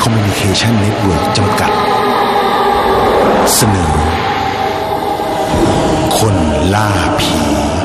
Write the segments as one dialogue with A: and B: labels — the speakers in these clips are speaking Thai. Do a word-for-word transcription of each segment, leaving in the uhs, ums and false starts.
A: คอมมิวนิเคชันเน็ตเวิร์กจำกัดเสนอคนล่าผี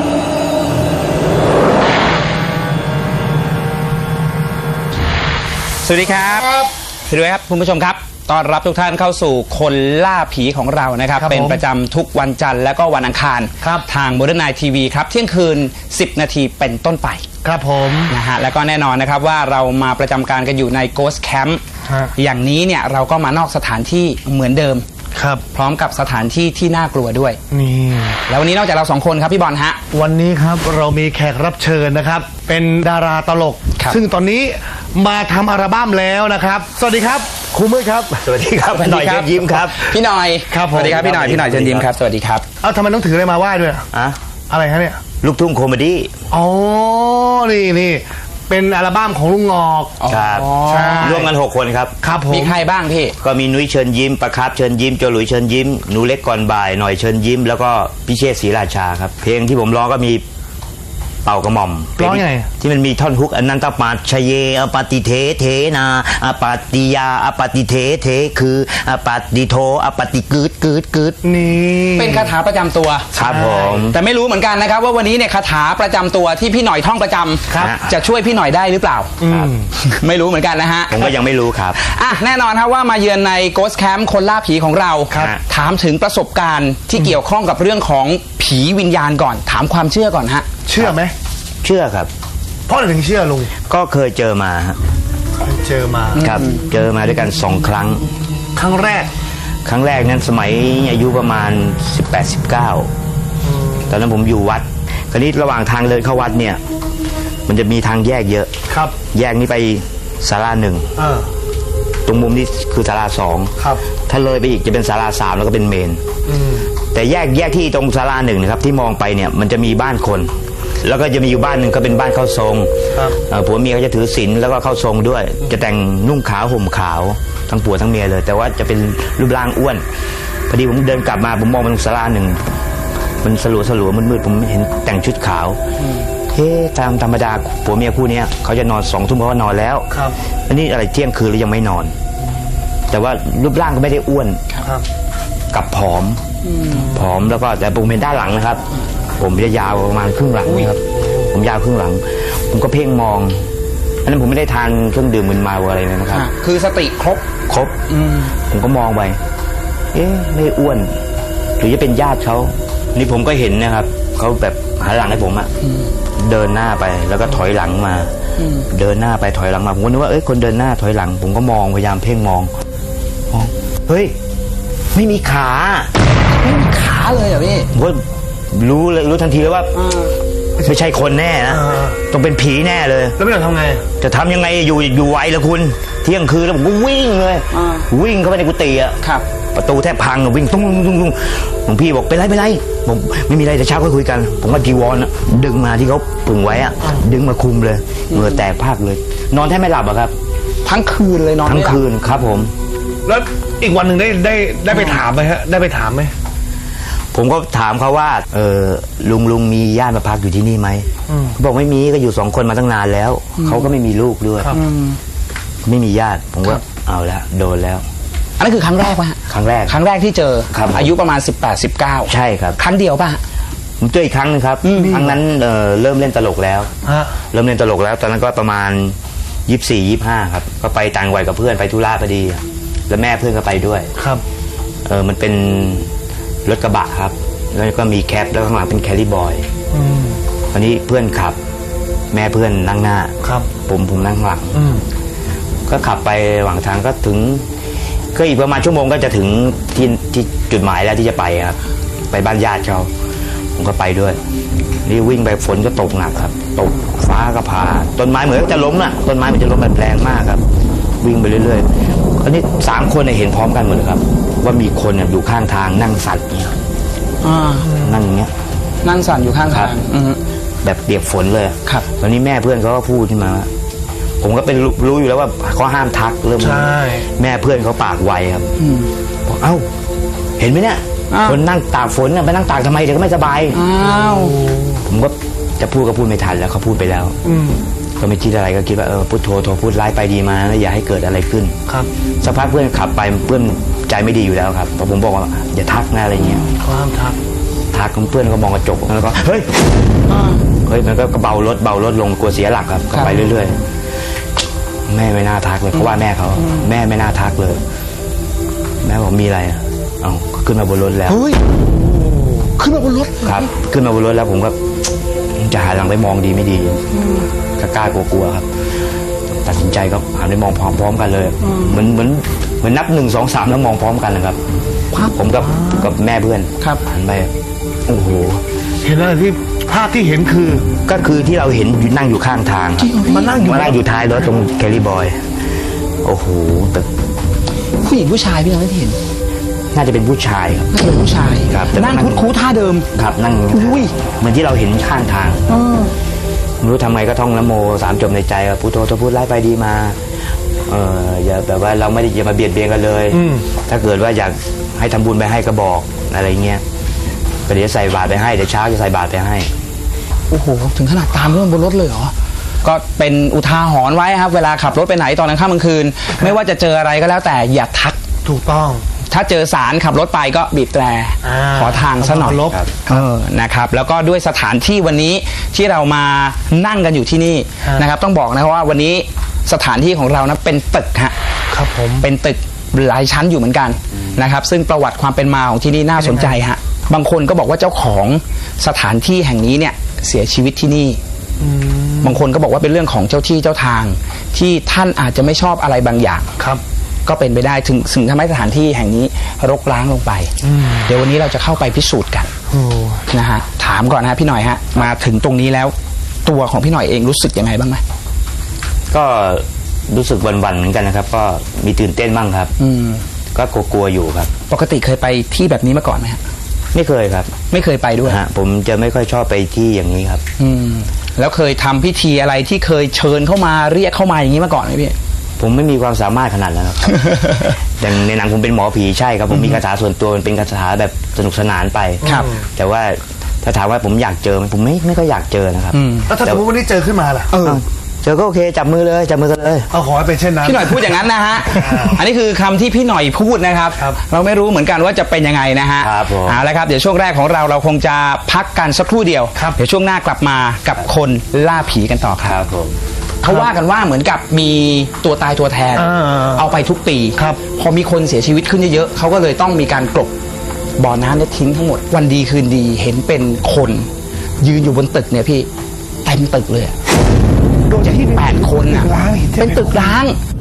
B: สวัสดีครับสวัสดีครับคุณผู้ชมครับต้อนรับทุกท่านเข้าสู่คนล่าผีของเรานะครับเป็นประจำทุกวันจันทร์และก็วันอังคารทางโมเดิร์นไนท์ทีวีครับเที่ยงคืนสิบนาทีเป็นต้นไป
C: ครับผม
B: นะฮะแล้วก็แน่นอนนะครับว่าเรามาประจำการกันอยู่ใน Ghost Camp อย่างนี้เนี่ยเราก็มานอกสถานที่เหมือนเดิม
C: ครับ
B: พร้อมกับสถานที่ที่น่ากลัวด้วย
C: นี่
B: แล้ววันนี้นอกจากเราสองคนครับพี่บอลฮะ
C: วันนี้ครับเรามีแขกรับเชิญนะครับเป็นดาราตลกซึ่งตอนนี้มาทำอัลบั้มแล้วนะครับสวัสดีครับครูมืดครับ
D: สวัสดีครับพี่หน่อยเชิญยิ้มครับ
B: พี่หน่อย
C: ครับ
B: สวัสดีครับพี่หน่อยพี่หน่อยเชิญยิ้มครับสวัสดีครับ
C: เอ้าทำไมต้องถืออะไรมาไหว้ด้วย
D: อะ
C: อะไรฮะเนี่ย
D: ลูกทุ่งคอมเมดี้
C: อ๋อนี่นี่เป็นอัลบั้มของลุงงอก
D: ครับร่วมกันหกคนครับ
B: ครับผมมีใครบ้างพี่
D: ก็มีนุ้ยเชิญยิ้มประครับเชิญยิ้มโจหลุยเชิญยิ้มหนูเล็กก่อนบ่ายหน่อยเชิญยิ้มแล้วก็พิเชษศรีราชาครับเพลงที่ผมร้องก็มีเป่ากระหม่อม
C: ร้องไง
D: ที่มันมีท่อนฮุกอันนั้นตปาชเยอปฏิเทเทนาอปฏิยาอปฏิเทเทคืออปฏิโทอปฏิกึดกึดกึด
C: นี่
B: เป็นคาถาประจำตัว
D: ครับผม
B: แต่ไม่รู้เหมือนกันนะครับว่าวันนี้เนี่ยคาถาประจำตัวที่พี่หน่อยท่องประจำจะช่วยพี่หน่อยได้หรือเปล่าไม่รู้เหมือนกันนะฮะ
D: ผมก็ยังไม่รู้ครับ
B: อ่ะแน่นอนครับว่ามาเยือนใน Ghost Camp คนล่าผีของเราถามถึงประสบการณ์ที่เกี่ยวข้องกับเรื่องของผีวิญญาณก่อนถามความเชื่อก่อนฮะ
C: เชื่อไหม
D: เชื่อครับ
C: เพราะอะไรถึงเชื่อลุง
D: ก็เคยเจอมา
C: เคยเจอมา
D: ครับเจอมาด้วยกันสองครั้ง
C: ครั้งแรก
D: ครั้งแรกนั้นสมัยอายุประมาณสิบแปด สิบเก้าตอนนั้นผมอยู่วัดคราวนี้ระหว่างทางเดินเข้าวัดเนี่ยมันจะมีทางแยกเยอะ
C: ครับ
D: แยกนี้ไปศาลาหนึ่งตรงมุมนี้คือศาลาสอง
C: ครับ
D: ถ้าเลยไปอีกจะเป็นศาลาสามแล้วก็เป็นเมนแต่แยกแยกที่ตรงศาลาหนึ่งนะครับที่มองไปเนี่ยมันจะมีบ้านคนแล้วก็จะมีอยู่บ้านหนึ่งก็เป็นบ้านเข้าทรงผัวเมียเขาจะถือศีลแล้วก็เข้าทรงด้วยจะแต่งนุ่งขาวห่มขาวทั้งผัวทั้งเมียเลยแต่ว่าจะเป็นรูปร่างอ้วนพอดีผมเดินกลับมาผมมองไปตรงศาลาหนึ่งมันสลัวสลัวมืดๆผมเห็นแต่งชุดขาวเฮ้ตามธรรมดาผัวเมียคู่นี้เขาจะนอนสองทุ่มเขาก็นอนแล้วอันนี้อะไรเที่ยงคืนแล้วยังไม่นอนแต่ว่ารูปร่างก็ไม่ได้อ้วนกับผอมผอมแล้วก็แต่ผมเป็นด้านหลังนะครับผมจะยาวประมาณครึ่งหลังนี่ครับผมยาวครึ่งหลังผมก็เพ่งมองอันนั้นผมไม่ได้ทานเครื่องดื่มมึนเมาอะไรเลยนะครับ
B: คือสติครบ
D: ครบผมก็มองไปเอ๊ะไม่อ้วนหรือจะเป็นญาติเขานี่ผมก็เห็นนะครับเขาแบบหันหลังให้ผมอะเดินหน้าไปแล้วก็ถอยหลังมาเดินหน้าไปถอยหลังมาผมก็นึกว่าเอ้ยคนเดินหน้าถอยหลังผมก็มองพยายามเพ่งมองมองเฮ้ยไม่มีขา
B: ไม่มีขาเลยเหรอพี่
D: ผมรู้เลยรู้ทันทีเลยว่าไม่ใช่คนแน่นะต้องเป็นผีแน่เลย
C: แล้วไม่ต้องทำไง
D: จะทำยังไงอยู่อยู่ไวละคุณเที่ยงคืนแล้วผมก็วิ่งเลยวิ่งเข้าไปในกุฏิอ่ะประตูแทบพังวิ่งตุ้งตุ้งตุ้งหลวงพี่บอกเป็นไรเป็นไรผมไม่มีอะไรแต่เช้าค่อยคุยกันผมก็จีวรดึงมาที่เขาปึงไว้อ่ะดึงมาคุมเลยเหงื่อแตกพากเลยนอนแทบไม่หลับอะครับ
B: ทั้งคืนเลยนอน
D: ทั้งคืนครับผม
C: แล้วอีกวันหนึ่งได้ได้ได้ไปถามไหมฮะได้ไปถามไหม
D: ผมก็ถามเขาว่าเออลุงลุงมีญาติมาพักอยู่ที่นี่ไหมเขาบอกไม่มีก็อยู่สองคนมาตั้งนานแล้วเขาก็ไม่มีลูกด้วยไม่มีญาติผมก็เอาแล้วโดนแล้ว
B: อันนั้นคือครั้งแรกป่ะ
D: ครั้งแรก
B: ครั้งแรกที่เจออายุประมาณสิบแปด สิบเก้า
D: ใช่ครับ
B: ครั้งเดียวป่ะ
D: ผมเจออีกครั้งนึงครับครั้งนั้นเเริ่มเล่นตลกแล้วเริ่มเล่นตลกแล้วตอนนั้นก็ประมาณยี่สิบสี่ ยี่สิบห้าครับก็ไปต่างวัยกับเพื่อนไปธุระพอดีแล้วแม่เพื่อนก็ไปด้วย
C: ครับ
D: เออมันเป็นรถกระบะครับแล้วก็มีแคปแล้วข้างหลังเป็นแครี่บอยตอนนี้เพื่อนขับแม่เพื่อนนั่งหน้า
C: ครับ
D: ผมผมนั่งหลังก็ขับไประหว่างทางก็ถึงก็อีกประมาณชั่วโมงก็จะถึงที่ที่จุดหมายแล้วที่จะไปครับไปบ้านญาติเขาผมก็ไปด้วยนี่วิ่งไปฝนก็ตกหนักครับตกฟ้าก็ผ่าต้นไม้เหมือนจะล้มน่ะต้นไม้มันจะล้มแบบแรงมากครับวิ่งไปเรื่อยๆคราวนี้สามคนเห็นพร้อมกันหมดเลยครับว่ามีคนอยู่ข้างทางนั่งสั่นเนี่ยนั่งอย่างเงี้ย
B: นั่งสั่นอยู่ข้างทาง
D: แบบเปียกฝนเลย
B: ครับ
D: ตอนนี้แม่เพื่อนเขาก็พูดขึ้นมาผมก็เป็นรู้อยู่แล้วว่าเขาห้ามทักเริ่มแม่เพื่อนเขาปากไวครับบอกเอ้าเห็นไหมเนี่ยคนนั่งตากฝนไปนั่งตากทำไมเดี๋ยวก็ไม่สบาย
B: อ้าว
D: ผมก็จะพูดก็พูดไม่ทันแล้วเขาพูดไปแล้วก็ไม่คิดอะไรก็คิดว่าเออพุทโธโธพูดร้ายไปดีมาแล้วอย่าให้เกิดอะไรขึ้น
C: ครับ
D: สักพักเพื่อนขับไปเพื่อนใจไม่ดีอยู่แล้วครับพอผมบอกว่าอย่าทักนะอะไรเงี้ย
C: ความทัก
D: ทักเพื่อนก็มองกระจกแล้วก็เฮ้ยเฮ้ยมันก็เบารถเบารถลงกลัวเสียหลักครับก็ไปเรื่อยๆแม่ไม่น่าทักเลยเพราะว่าแม่เขาแม่ไม่น่าทักเลยแม่บอกมีอะไรอ่ะเอ้าขึ้นมาบนรถแล้ว
C: เฮ้ยขึ้นมาบนรถ
D: ครับ ขึ้นมาบนรถแล้วผมก็จะหันหลังไปมองดีไม่ดีก็กล้ากลัวๆครับตัดสินใจก็หันไปมองพร้อมๆกันเลยเหมือนเหมือนเหมือนนับหนึ่งสองสามแล้วมองพร้อมกันนะครับผมกับกับแม่เพื่อนหันไปโอ้โห
C: เห็นอะไรที่ภาพที่เห็นคือ
D: ก็คือที่เราเห็นอยู่นั่งอยู่ข้างทางครับ
C: มานั่งอยู่
D: มานั่งอยู่ท้ายรถตรงแคลรี่บอยโอ้โหแต่
B: ผู้หญิงผู้ชายพี่น้องที่เห็น
D: น่าจะเป็นผู้ชายครับ
B: น่าจะเป็นผู้ชาย
D: ครับ
B: นั่งคุดคูท่าเดิม
D: ครับนั่ง
B: อุ้ย
D: เหมือนที่เราเห็นข้างทางไม่รู้ทำไมก็ท่องนะโมสามจบในใจว่าพุทโธจะพูดไล่ไปดีมาเอออย่าแบบว่าเราไม่ได้อย่ามาเบียดเบียนกันเลย ถ้าเกิดว่าอยากให้ทำบุญไปให้ก็บอกอะไรเงี้ยก็เดี๋ยวใส่บาตรไปให้เดี๋ยวเช้าจะใส่บาตรไปให้
B: โอ้โหถึงขนาดตามเรื่องบนรถเลยเหรอก็เป็นอุทาหรณ์ไว้ครับเวลาขับรถไปไหนตอนกลางค่ำกลางคืน ไม่ว่าจะเจออะไรก็แล้วแต่อย่าทัก
C: ถูกต้อง
B: ถ้าเจอสารขับรถไปก็บีบแตร
C: อ่า
B: ขอทางซะหน่อย
C: ลบ
B: เออนะครับแล้วก็ด้วยสถานที่วันนี้ที่เรามานั่งกันอยู่ที่นี่
C: ฮะ
B: นะครับต้องบอกนะครับว่าวันนี้สถานที่ของเรานะเป็นตึกฮะ
C: ครับผม
B: เป็นตึกหลายชั้นอยู่เหมือนกันนะครับซึ่งประวัติความเป็นมาของที่นี่น่าสนใจฮะบางคนก็บอกว่าเจ้าของสถานที่แห่งนี้เนี่ยเสียชีวิตที่นี่บางคนก็บอกว่าเป็นเรื่องของเจ้าที่เจ้าทาง ที่ท่านอาจจะไม่ชอบอะไรบางอย่าง
C: ครับ
B: ก็เป็นไปได้ถึงถึงทำให้สถานที่แห่งนี้รกร้างลงไป เดี๋ยววันนี้เราจะเข้าไปพิสูจน์กัน
C: โอ้
B: นะฮะถามก่อนนะฮะพี่หน่อยฮะมาถึงตรงนี้แล้ว ตัวของพี่หน่อยเองรู้สึกยังไงบ้างไหม
D: ก็รู้สึกวันๆเหมือนกันนะครับ ก็มีตื่นเต้นบ้างครับ
B: อืม
D: ก็กลัวๆอยู่ครับ
B: ปกติเคยไปที่แบบนี้มาก่อนไหมฮะ
D: ไม่เคยครับ
B: ไม่เคยไปด้วย
D: ฮะผมจะไม่ค่อยชอบไปที่อย่างนี้ครับ
B: อืมแล้วเคยทำพิธีอะไรที่เคยเชิญเข้ามาเรียกเข้ามาอย่างนี้มาก่อนไหมพี่
D: ผมไม่มีความสามารถขนาดนั้นครับ อย่างในหนังผมเป็นหมอผีใช่ครับ ผมมีคาถาส่วนตัวมันเป็นคาถาแบบสนุกสนานไป
B: ครับ
D: แต่ว่าถ้าถามว่าผมอยากเจอไหมผมไม่ไม่ก็อยากเจอนะครับ
B: อืม
C: แล้วถ้าสมมติวันนี้เจอขึ้นมาล่ะ
B: เออ
D: เจอก็โอเคจับมือเลยจับมือกันเลย
C: เอาขอให้เป็นเช่นนั้น
B: พี่หน่อยพูดอย่างนั้นนะฮะ
C: อ่า
B: อันนี้คือคำที่พี่หน่อยพูดนะครับ
C: ครับ
B: เราไม่รู้เหมือนกันว่าจะเป็นยังไงนะฮะ
D: ครับผม
B: เอาละครับเดี๋ยวช่วงแรกของเราเราคงจะพักกันสักครู่เดียว
C: ครับ
B: เดี๋ยวช่วงหน้ากลับมากับคนล่าผีกันต่อค
D: ครับ รับผม
B: เขาว่ากันว่าเหมือนกับมีตัวตายตัวแทน
C: อ่า
B: เอาไปทุกปี
C: ครับ
B: พอมีคนเสียชีวิตขึ้นเยอะๆเขาก็เลยต้องมีการกลบบ่อน้ำเนี่ยทิ้งทั้งหมดวันดีคืนดีเห็นเป็นคน ยืนอยู่บนตึกเนี่ยพี่เต็มตึกเลยอะ
C: โดยที่
B: แปดคนอ่ะ
C: ร้างห็ใช่ไหม
B: เป็นตึกร้าง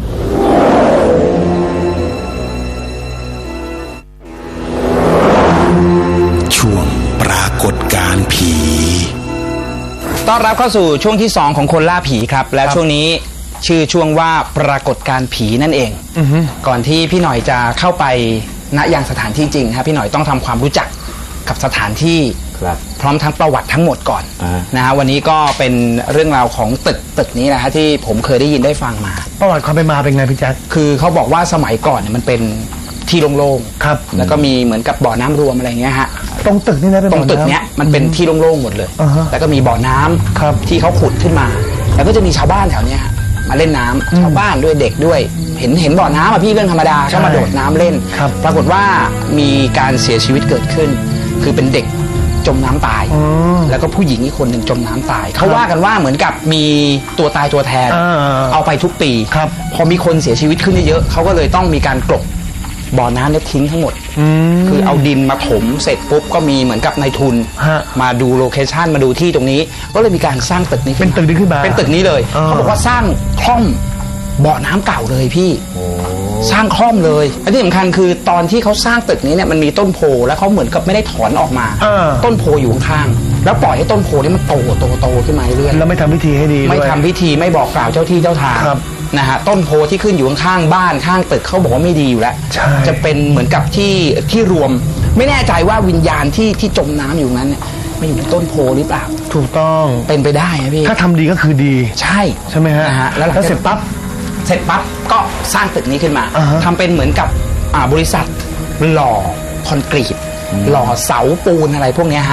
A: ช่วงปรากฏการณ์ผี
B: ต้อนรับเข้าสู่ช่วงที่สองของคนล่าผีครับ และช่วงนี้ชื่อช่วงว่าปรากฏการณ์ผีนั่นเอง ก่อนที่พี่หน่อยจะเข้าไปณยังสถานที่จริงครับพี่หน่อยต้องทำความรู้จักกับสถานที่
D: ครับ
B: พร้อมทั้งประวัติทั้งหมดก่อน
D: อ่าน
B: นะฮะวันนี้ก็เป็นเรื่องราวของตึกตึกนี้นะฮะที่ผมเคยได้ยินได้ฟังมา
C: ประวัติความเป็นมาเป็นไงพี่แจ๊ค
B: คือเขาบอกว่าสมัยก่อนเนี่ยมันเป็นที่โล่ง
C: ครับ
B: ๆแล้วก็มีเหมือนกับบ่อน้ำรวมอะไรเงี้ยฮะ
C: ตรงตึกนี่นะเป็น
B: ตรงตึก
C: บ่อำ
B: เนี้ยมันเป็นที่โล่งๆหมดเลย
C: อ่าฮะ
B: แล้วก็มีบ่อน้ำ
C: ครับ
B: ที่เขาขุดขึ้นมา แล้วก็จะมีชาวบ้านแถวเนี้ยฮะมาเล่นน้ำชาวบ้านด้วยเด็กด้วย เห็นเห็นบ่อน้ำอ่ะพี่เรื่องธรรมดาก็มาโดดน้ำเล่น
C: ครับ
B: ปรากฏว่ามีการเสียชีวิตเกิดขึ้น คือเป็นเด็กจมน้ำตาย
C: อืม
B: แล้วก็ผู้หญิงอีกคนหนึ่งจมน้ำตาย เขาว่ากันว่าเหมือนกับมีตัวตายตัวแทน
C: อ่า
B: เอาไปทุกปี
C: ครับ
B: พอมีคนเสียชีวิตขึ้นเยอะๆเขาก็เลยต้องมีการกลบบ่อน้ำเนี่ยทิ้งทั้งหมด
C: ม
B: คือเอาดินมาถมเสร็จปุ๊บก็มีเหมือนกับนายทุน
C: ฮะ
B: มาดูโลเคชันมาดูที่ตรงนี้ ก็เลยมีการสร้างตึกนี้
C: เป็นตึกนี้ขึ้นมา
B: เป็นตึกนี้เลย
C: อ่า
B: เขาบอกว่าสร้างคล่อมบ่อน้ำเก่าเลยพี่สร้างคล่อมเลยและที่สำคัญคือตอนที่เขาสร้างตึกนี้เนี่ยมันมีต้นโพแล้วเขาเหมือนกับไม่ได้ถอนออกมา
C: อ่า
B: ต้นโพอยู่ข้างๆแล้วปล่อยให้ต้นโพนี่มันโตโตโตขึ้นมาเรื่อยๆ
C: แล้วไม่ทำพิธีให้ดี
B: ไม่
C: ด้วย
B: ทำพิธีไม่บอกกล่าวเจ้าที่เจ้าทาง
C: ครับ
B: นะฮะต้นโพที่ขึ้นอยู่ข้างๆบ้านข้างตึกเขาบอกว่าไม่ดีอยู่แล้ว
C: ใช่
B: จะเป็นเหมือนกับที่ที่รวม ไม่แน่ใจว่าวิญญาณที่ที่จมน้ำอยู่นั้นเนี่ยมาอยู่ในต้นโพหรือเปล่า
C: ถูกต้อง
B: เป็นไปได้นะพี่
C: ถ้าทำดีก็คือดี
B: ใช่
C: ใช่ไหมฮะ
B: นะฮะแล้วหลัง
C: แล้ว
B: จาก
C: เสร็จปั๊บ
B: เสร็จปั๊บก็สร้างตึกนี้ขึ้นมา
C: อ่าฮะ
B: ทำเป็นเหมือนกับอ่าบริษัทหล่อคอนกรีตหล่อเสาปูนอะไรพวกเนี้ยฮะ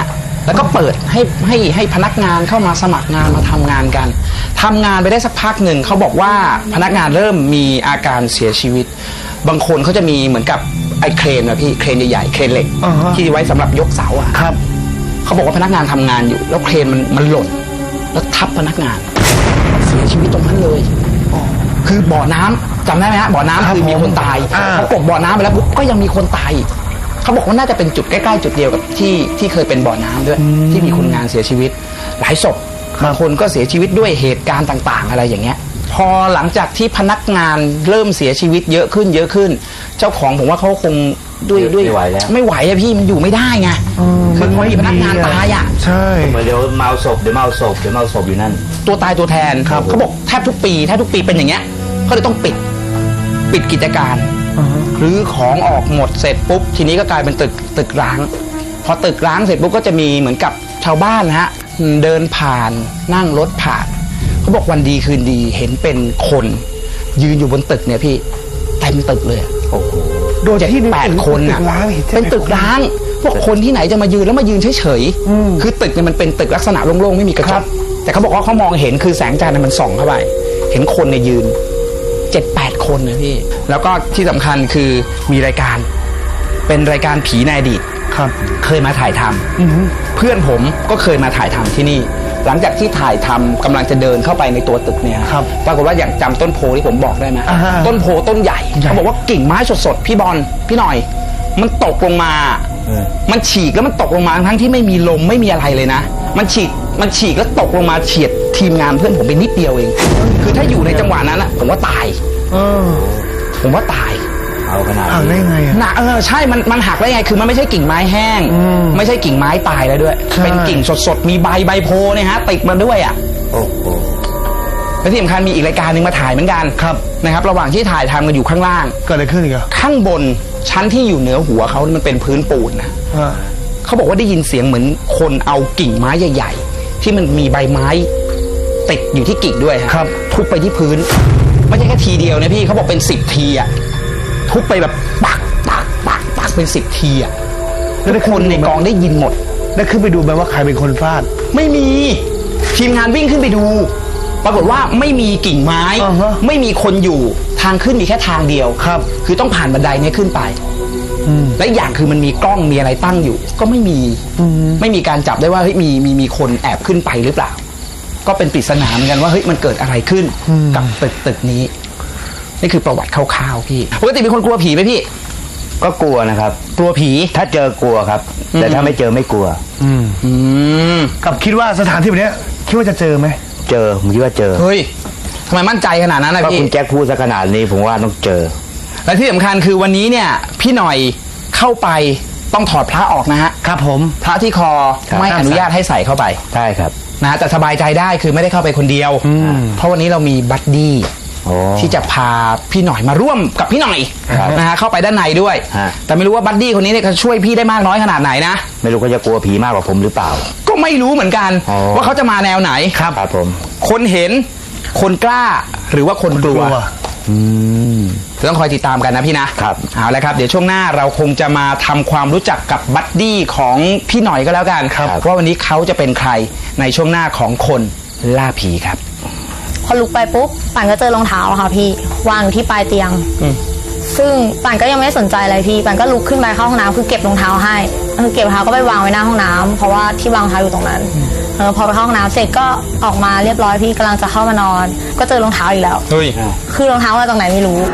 B: แล้วก็เปิดให้ให้ให้พนักงานเข้ามาสมัครงานมาทำงานกันทำงานไปได้สักพักหนึ่งเขาบอกว่าพนักงานเริ่มมีอาการเสียชีวิต บางคนเขาจะมีเหมือนกับไอ้เครนนะพี่เครนใหญ่ๆเครนเหล็ก
C: อ่าฮะ
B: ที่ไว้สำหรับยกเสาอะ
C: ครับ
B: เขาบอกว่าพนักงานทำงานอยู่ แล้วเครนมันมันหล่นแล้วทับพนักงานเสียชีวิตตรงนั้นเลยคือบ่อน้ำจำได้ไหมฮะบ่อน้ำ
C: ครับ
B: คือมีคนตาย
C: อ่า
B: เขากดบ่อน้ำไปแล้วปุ๊บก็ยังมีคนตายอีกเขาบอกว่าน่าจะเป็นจุดใกล้ๆจุดเดียวกับที่ที่เคยเป็นบ่อน้ำด้วย ที่มีคนงานเสียชีวิต หลายศพบางคนก็เสียชีวิตด้วยเหตุการณ์ต่างๆ อะไรอย่างเงี้ย พอหลังจากที่พนักงานเริ่มเสียชีวิตเยอะขึ้นเยอะขึ้น เจ้าของผมว่าเขาคงด้วยด้วย
D: ไม่ไหวแล้ว
B: ไม่ไหวอะพี่มันอยู่ไม่ได้ไงคือพอมีพนักงานตายอะ
C: ใช่
D: เหมือนเดี๋ยวเมาศพเดี๋ยวเมาศพเดี๋ยวเมาศพอยู่นั่น
B: ตัวตายตัวแทนเขาบอกแทบทุกปีแทบทุกปีเป็นอย่างเงี้ยเขาเลยต้องปิดปิดกิจการหรือของออกหมดเสร็จปุ๊บทีนี้ก็กลายเป็นตึกตึกร้าง พอตึกร้างเสร็จปุ๊บก็จะมีเหมือนกับชาวบ้านนะฮะเดินผ่านนั่งรถผ่านเขาบอกวันดีคืนดีเห็นเป็นคนยืนอยู่บนตึกเนี่ยพี่เต็มตึกเลยอะ
D: โอ้โห
C: โดย
B: เจ็ด
C: ที่
B: แปดคนน่ะ
C: ตึกร้างอีก
B: เป็นตึกร้าง พวกคนที่ไหนจะมายืนแล้วมายืนเฉยๆคือตึกเนี่ยมันเป็นตึกลักษณะโล่งๆไม่มีกระจกแต่เขาบอกว่าเขามองเห็นคือแสงจันทร์มันส่องเข้าไปเห็นคนเนี่ยยืนเจ็ดแปดคนนะพี่แล้วก็ที่สำคัญคือมีรายการเป็นรายการผีในอดีต
C: ครับ
B: เคยมาถ่ายทำเพื่อนผมก็เคยมาถ่ายทำที่นี่ หลังจากที่ถ่ายทำกำลังจะเดินเข้าไปในตัวตึกเนี่ย
C: ครับ
B: ปรากฏว่าอย่างจำต้นโพที่ผมบอกได้ไหม
C: อ่าฮะ
B: ต้นโพต้นใหญ่
C: ใหญ่
B: เขาบอกว่ากิ่งไม้สดๆพี่บอลพี่หน่อย มันตกลงมา
D: เออ
B: มันฉีกแล้วมันตกลงมาทั้งที่ไม่มีลมไม่มีอะไรเลยนะ มันฉีกมันฉีกแล้วตกลงมาเฉียดทีมงานเพื่อนผมไปนิดเดียวเอง คือถ้าอยู่ในจังหวะนั้นอะผมว่าตาย
C: เออ
B: ผมว่าตาย
D: เอาขนาด
C: อ่าน
D: นี้
C: ได้ไงอะ
B: หนักเออใช่ มันมันหักได้ไง คือมันไม่ใช่กิ่งไม้แห้ง
C: อืม
B: ไม่ใช่กิ่งไม้ตายแล้วด้วย
C: ใช่
B: เป็นกิ่งสดๆ มีใบใบโพเนี่ยฮะติดมาด้วยอ่ะ
D: โอ้โห
B: และที่สำคัญมีอีกรายการหนึ่งมาถ่ายเหมือนกัน
C: ครับ
B: นะครับ ระหว่างที่ถ่ายทำกันอยู่ข้างล่าง
C: เกิดอะไรขึ้นอีกอะ
B: ข้างบนชั้นที่อยู่เหนือหัวเขามันเป็นพื้นปูนนะ
C: อ่า
B: เขาบอกว่าได้ยินเสียงเหมือนคนเอากิ่งไม้ใหญ่ ๆ ที่มันมีใบไม้ติดอยู่ที่กิ่งด้วยฮะ
C: ครับ
B: ทุบไปที่พื้น ไม่ใช่แค่ทีเดียวนะพี่เขาบอกเป็นสิบทีอ่ะทุบไปแบบปักปักปักปักเป็นสิบทีอ่ะทุกคนในกองได้ยินหมด
C: ได้ขึ้นไปดูไหมว่าใครเป็นคนฟาด
B: ไม่มีทีมงานวิ่งขึ้นไปดู ปรากฏว่าไม่มีกิ่งไม้
C: อ่าฮะ
B: ไม่มีคนอยู่ทางขึ้นมีแค่ทางเดียว
C: ครับ
B: คือต้องผ่านบันไดเนี้ขึ้นไป
C: อืม
B: และอีกอย่างคือมันมีกล้องมีอะไรตั้งอยู่ ก็ไม่มี
C: อืม
B: ไม่มีการจับได้ว่าเฮ้ยมีมีมีคนแอบขึ้นไปหรือเปล่า ก็เป็นปริศนาเหมือนกันว่าเฮ้ยมันเกิดอะไรขึ้น
C: อืม
B: กับตึกตึกนี้ นี่คือประวัติคร่าวๆพี่ปกติเป็นคนกลัวผีไหมพี่
D: ก็กลัวนะครับ
B: กลัวผี
D: ถ้าเจอกลัวครับ แต่ถ้าไม่เจอไม่กลัว
C: อืม
B: อืม
C: กับคิดว่าสถานที่แบบเนี้ยคิดว่าจะเจอไหม
D: เจอผมคิดว่าเจอ
B: เฮ้ยทำไมมั่นใจขนาดนั้นนะ
D: ก็
B: พี่
D: คุณแจ็คพูดซะขนาดนี้ผมว่าต้องเจอ
B: และที่สำคัญคือวันนี้เนี่ยพี่หน่อยเข้าไปต้องถอดพระออกนะฮะ
C: ครับผม
B: พระที่คอ
D: ครับ
B: ไม่อนุญาตให้ใส่เข้าไป
D: ใช่ครับ
B: นะฮะแต่สบายใจได้คือไม่ได้เข้าไปคนเดียว
C: อืม
B: เพราะวันนี้เรามีบัดดี้
D: โอ้
B: ที่จะพาพี่หน่อยมาร่วมกับพี่หน่อย
D: ครับ
B: นะฮะเข้าไปด้านในด้วย
D: ฮะ
B: แต่ไม่รู้ว่าบัดดี้คนนี้เนี่ยเขาช่วยพี่ได้มากน้อยขนาดไหนนะ
D: ไม่รู้เขาจะกลัวผีมากกว่าผมหรือเปล่า
B: ก็ไม่รู้เหมือนกัน
D: อ๋อ
B: ว่าเขาจะมาแนวไหน
C: ครับ
D: ครับผม
B: คนเห็นคนกล้าหรือว่าคนกลัว
D: อืม
B: ต้องคอยติดตามกันนะพี่นะครับ เอาละครับเดี๋ยวช่วงหน้าเราคงจะมาทำความรู้จักกับบัดดี้ของพี่หน่อยก็แล้วกัน
C: ครับ
B: ว่าวันนี้เขาจะเป็นใครในช่วงหน้าของคนล่าผีครับ
E: พอลุกไปปุ๊บป่านก็เจอรองเท้าอะค่ะพี่วางอยู่ที่ปลายเตียง
B: อืม
E: ซึ่งป่านก็ยังไม่ได้สนใจอะไรพี่ป่านก็ลุกขึ้นไปเข้าห้องน้ำคือเก็บรองเท้าให้คือเก็บรองเท้าก็ไปวางไว้หน้าห้องน้ำเพราะว่าที่วางรองเท้าอยู่ตรงนั้นเออพอไปเข้าห้องน้ำเสร็จก็ออกมาเรียบร้อยพี่กำลังจะเข้ามานอน ก็เจอรองเท้าอีกแล้ว
B: เฮ้ย
E: คือรองเท้ามาจากไหนไม่รู้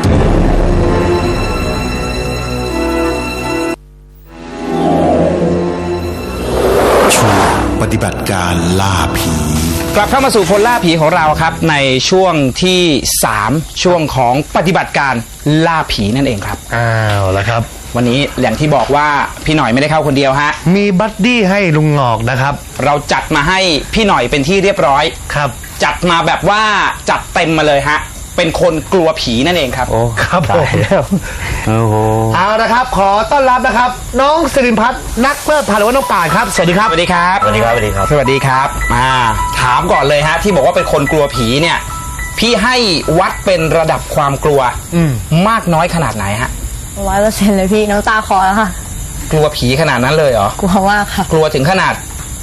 A: ช่วงปฏิบัติการล่าผี
B: กลับเข้ามาสู่คนล่าผีของเราครับในช่วงที่สามช่วงของปฏิบัติการล่าผีนั่นเองครับ
C: อ้าวแล้วครับ
B: วันนี้อย่างที่บอกว่าพี่หน่อยไม่ได้เข้าคนเดียวฮะ
C: มีบัดดี้ให้ลุงหงอกนะครับ
B: เราจัดมาให้พี่หน่อยเป็นที่เรียบร้อย
C: ครับ
B: จัดมาแบบว่าจัดเต็มมาเลยฮะเป็นคนกลัวผีนั่นเองครับ
D: โอ้
C: ครับผม
D: ตายแล้วโอ้โห
C: เอาละครับ ขอต้อนรับนะครับ น้องสิริพัฒน์นักเพลิดเพลินหรือว่าน้องป่านครับ สวัสดีครับ
B: สวัสดีครับ
D: สวัสดีครับสวัสดีครับ
B: สวัสดีครับมาถามก่อนเลยฮะที่บอกว่าเป็นคนกลัวผีเนี่ยพี่ให้วัดเป็นระดับความกลัว
C: อืม
B: มากน้อยขนาดไหนฮะ
E: ร้อยเปอร์เซ็นต์เลยพี่น้ำตาคลอแล้วค่ะ
B: กลัวผีขนาดนั้นเลยเหรอ
E: กลัวมากค่ะ
B: กลัวถึงขนาด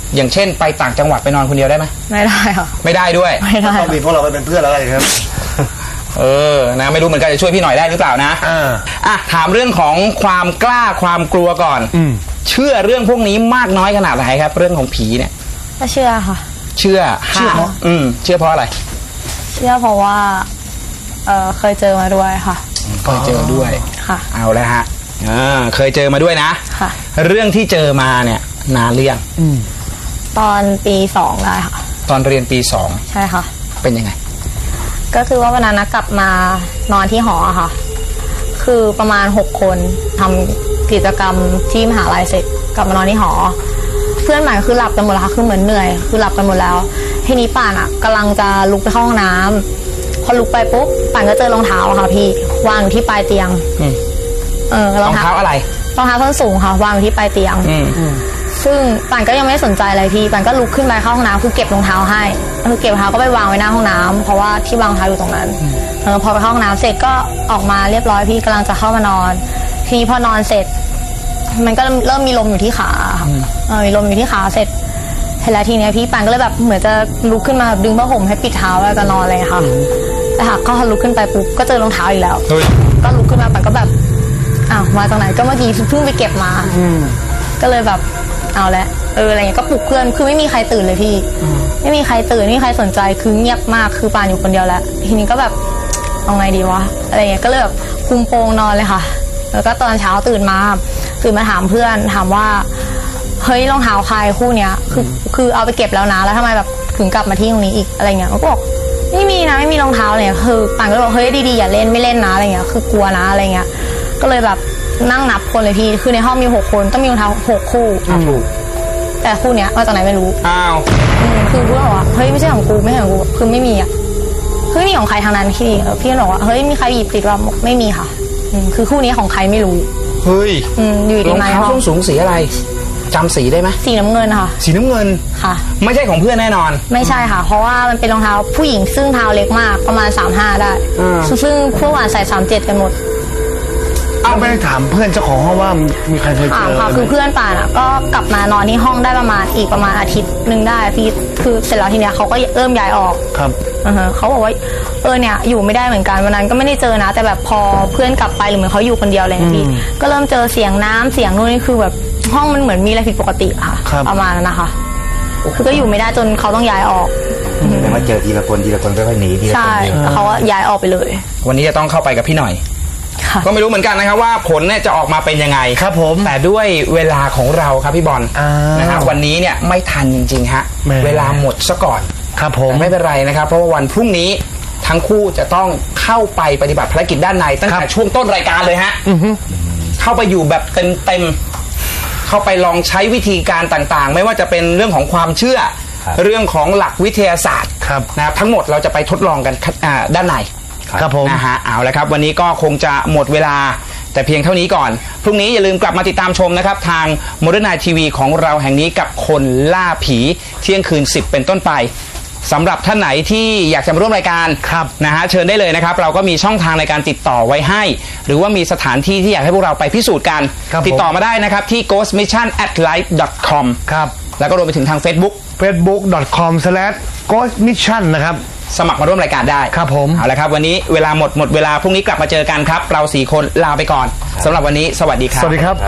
B: อย่างเช่นไปต่างจังหวัดไปนอนคนเดียวได้ไหม
E: ไม่ได้ค่ะ
B: ไม่ได้ด้วย
E: ไม่ได้
C: ต้องมีพวกเราไปเป็นเพื่อนแล้วกันครับ
B: เออนะไม่รู้เหมือนกันจะช่วยพี่หน่อยได้หรือเปล่านะ
C: อ่า
B: อ่ะถามเรื่องของความกล้าความกลัวก่อน
C: อืม
B: เชื่อเรื่องพวกนี้มากน้อยขนาดไหนครับ เรื่องของผีเนี่ย
E: ก็เชื่อค่ะ
B: เชื่อ
C: เชื่อเพราะ
B: อืมเชื่อเพราะอะไร
E: เชื่อเพราะว่าเออเคยเจอมาด้วยค่ะ
B: เคยเจอด้วย
E: ค่ะ
B: เอาแล้วฮะอ่าเคยเจอมาด้วยนะ
E: ค่ะ
B: เรื่องที่เจอมาเนี่ยนานหรือยัง
E: ตอนปีสองได้ค่ะ
B: ตอนเรียนปีสอง
E: ใช่ค่ะ
B: เป็นยังไง
E: ก็คือว่าวันนั้นนะกลับมานอนที่หออะค่ะ คือประมาณหกคนทำกิจกรรมที่มหาลัยเสร็จกลับมานอนที่หอ เพื่อนใหม่คือหลับกันหมดแล้วค่ะคือเหมือนเหนื่อยคือหลับกันหมดแล้วทีนี้ป่านอะกำลังจะลุกไปเข้าห้องน้ำพอลุกไปปุ๊บป่านก็เจอรองเท้าอะค่ะพี่วางอยู่ที่ปลายเตียง
B: อืม
E: เออ
B: รองเท้าอะไร
E: รองเท้าส้นสูงค่ะวางอยู่ที่ปลายเตียง
B: อืม
E: ซึ่งป่านก็ยังไม่ได้สนใจอะไรพี่ป่านก็ลุกขึ้นไปเข้าห้องน้ำคือเก็บรองเท้าให้คือเก็บรองเท้าก็ไปวางไว้หน้าห้องน้ำเพราะว่าที่วางรองเท้าอยู่ตรงนั้นเออพอไปเข้าห้องน้ำเสร็จก็ออกมาเรียบร้อยพี่กำลังจะเข้ามานอน ทีนี้พอนอนเสร็จ มันก็เริ่มมีลมอยู่ที่ขาค่ะเออมีลมอยู่ที่ขาเสร็จเสร็จแล้วทีเนี้ยพี่ป่านก็เลยแบบเหมือนจะลุกขึ้นมาดึงผ้าห่มให้ปิดเท้าแล้วจะนอนเลยค่ะแต่หากก็ลุกขึ้นไปปุ๊บก็เจอรองเท้าอีกแล้ว
B: เฮ้ย
E: ก็ลุกขึ้นมาป่านก็แบบอ้าวมาจากไหนก็เมื่อกี้เพิ่งไปเก็บมาก็เลยแบบเอาละเอออะไรเงี้ยก็ปลุกเพื่อนคือไม่มีใครตื่นเลยพี่ไม่มีใครตื่นไม่มีใครสนใจคือเงียบมากคือปานอยู่คนเดียวแล้วทีนี้ก็แบบเอาไงดีวะอะไรเงี้ยก็เลยแบบคุมโปงนอนเลยค่ะ แล้วก็ตอนเช้าตื่นมาตื่นมาถามเพื่อนถามว่าเฮ้ยรองเท้าใครคู่เนี้ยคือคือเอาไปเก็บแล้วนะแล้วทำไมแบบถึงกลับมาที่ตรงนี้อีกอะไรเงี้ยมันก็บอกไม่มีนะไม่มีรองเท้าอะไรเลยคือปานก็เลยบอกเฮ้ยดีๆอย่าเล่นไม่เล่นนะอะไรเงี้ยคือกลัวนะอะไรเงี้ยก็เลยแบบนั่งนับคนเลยพี่คือในห้องมีหกคนต้องมีรองเท้าหกคู่แต่คู่เนี้ยมาจากไหนไม่รู้
B: อ้าว
E: อืมคือเพื่อนบอกว่าเฮ้ยไม่ใช่ของกูไม่ใช่ของกูคือไม่มีอ่ะคือไม่มีของใครทางนั้นพี่เออพี่บอกว่าเฮ้ยมีใครหยิบติดว่าไม่มีค่ะอืมคือคู่นี้ของใครไม่รู้
B: เฮ้ย
E: อืมอยู่
B: ร
E: ดี
B: อง
E: มาใน
B: เท้า
E: ห้อ
B: ส้
E: ง
B: นสูงสีอะไรจำสีได้ไหม
E: สีน้ำเงินค่ะ
B: สีน้ำเงิน
E: ค่ะ
B: ไม่ใช่ของเพื่อนแน่นอน
E: ไม่ใช่ค่ะ เพราะว่ามันเป็นรองเท้าผู้หญิงซึ่งเท้าเล็กมากประมาณสามห้าได้
B: อ่า
E: ซึ่งพวกหวานใส่สามเจ็ดกันหมด
C: เอาไม่ได้ถามเพื่อนเจ้าของห้องว่ามีใครเคยเจ
E: ถาม
C: อ
E: ค่ะ
C: ไหม
E: คือเพื่อนป่านอ่ะก็กลับมานอนที่ห้องได้ประมาณอีกประมาณอาทิตย์หนึ่งได้พี่คือเสร็จแล้วทีเนี้ยเขาก็เริ่มย้ายออก
C: ครับ
E: อือฮะเขาบอกว่าเออเนี่ยอยู่ไม่ได้เหมือนกันวันนั้นก็ไม่ได้เจอนะ แต่แบบพอเพื่อนกลับไปหรือเหมือนเขาอยู่คนเดียวอะไรอย่างเงี้ยพี่ก็เริ่มเจอเสียงน้ำเสียงนู่นนี่คือแบบห้องมันเหมือนมีอะไรผิดปกติอะค่ะ
C: ครับ
E: ประมาณนั้นนะคะคือก็อยู่ไม่ได้จนเขาต้องย้ายออก
D: แต่ว่าเจอทีละคนทีละคนค่อยๆหนีทีละคน
E: ใช่
D: เดียว
E: แล้วเขาก็ย้ายออกไปเลย
B: วันนี้จะต้องเข้าไปกับพี่หน่อย
E: ค่ะ
B: ก็ไม่รู้เหมือนกันนะครับว่าผลเนี่ยจะออกมาเป็นยังไง
C: ครับผม
B: แต่ด้วยเวลาของเราครับพี่บอล
C: อ้าว
B: นะฮะวันนี้เนี่ยไม่ทันจริงๆฮะ
C: แหม
B: เวลาหมดซะก่อน
C: ครับผม
B: แต่ไม่เป็นไรนะครับ เพราะว่าวันพรุ่งนี้ทั้งคู่จะต้องเข้าไปปฏิบัติภารกิจด้านในตั้งแต่ช่วงต้นรายการเลยฮะเข้าไปอยู่แบบเต็มๆเข้าไปลองใช้วิธีการต่างๆ ไม่ว่าจะเป็นเรื่องของความเชื่อ เรื่องของหลักวิทยาศาสตร์
C: ครับ
B: นะครับทั้งหมดเราจะไปทดลองกันอ่าด้านใน
C: ครับผม
B: นะฮะเอาละครับวันนี้ก็คงจะหมดเวลาแต่เพียงเท่านี้ก่อน พรุ่งนี้อย่าลืมกลับมาติดตามชมนะครับ ทาง Modern Night ที วี ของเราแห่งนี้กับคนล่าผีเที่ยงคืนสิบเป็นต้นไปสำหรับท่านไหนที่อยากจะมาร่วมรายการ
C: ครับ
B: นะฮะเชิญได้เลยนะครับ เราก็มีช่องทางในการติดต่อไว้ให้ หรือว่ามีสถานที่ที่อยากให้พวกเราไปพิสูจน์กัน
C: ครับ
B: ติดต่อมาได้นะครับที่ ghost mission at life dot com
C: ครับ
B: แล้วก็รวมไปถึงทาง Facebook
C: facebook dot com slash ghost mission นะครับ
B: สมัครมาร่วมรายการได้
C: ครับผม
B: เอาละครับวันนี้เวลาหมดหมดเวลาพรุ่งนี้กลับมาเจอกันครับ เราสี่คนลาไปก่อนสำหรับวันนี้สวัสดีครับ
C: สวัสดีครับ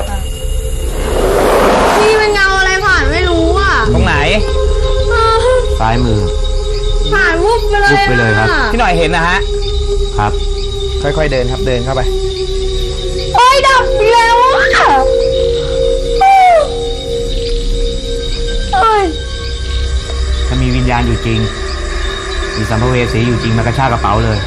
E: พี่เป็นเงาอะไรผ่านไม่รู้อ่ะ
B: ตรงไหน
D: ซ้ายมือ
E: ผ่านวุบไปเลย
D: วุบไปเลยครับ
B: พี่หน่อยเห็นนะฮะ
D: ครับ
B: ค่อยๆเดินครับเดินเข้าไป
E: โอ้ยดับอีกแล้วอ่ะเอ้ย
D: ถ้ามีวิญญาณอยู่จริง มีสัมภเวสีอยู่จริงมากระชากกระเป๋าเลย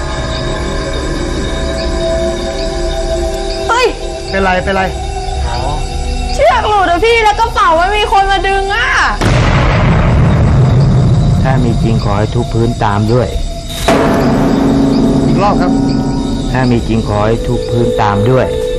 E: เฮ้ย
C: เป็นไร เป็นไร
E: เชือกหลุดอะพี่แล้วกระเป๋าไม่มีคนมาดึงอ่ะ
D: ถ้ามีจริงขอให้ทุบพื้นตามด้วย
C: อีกรอบครับ
D: ถ้ามีจริงขอให้ทุบพื้นตามด้วย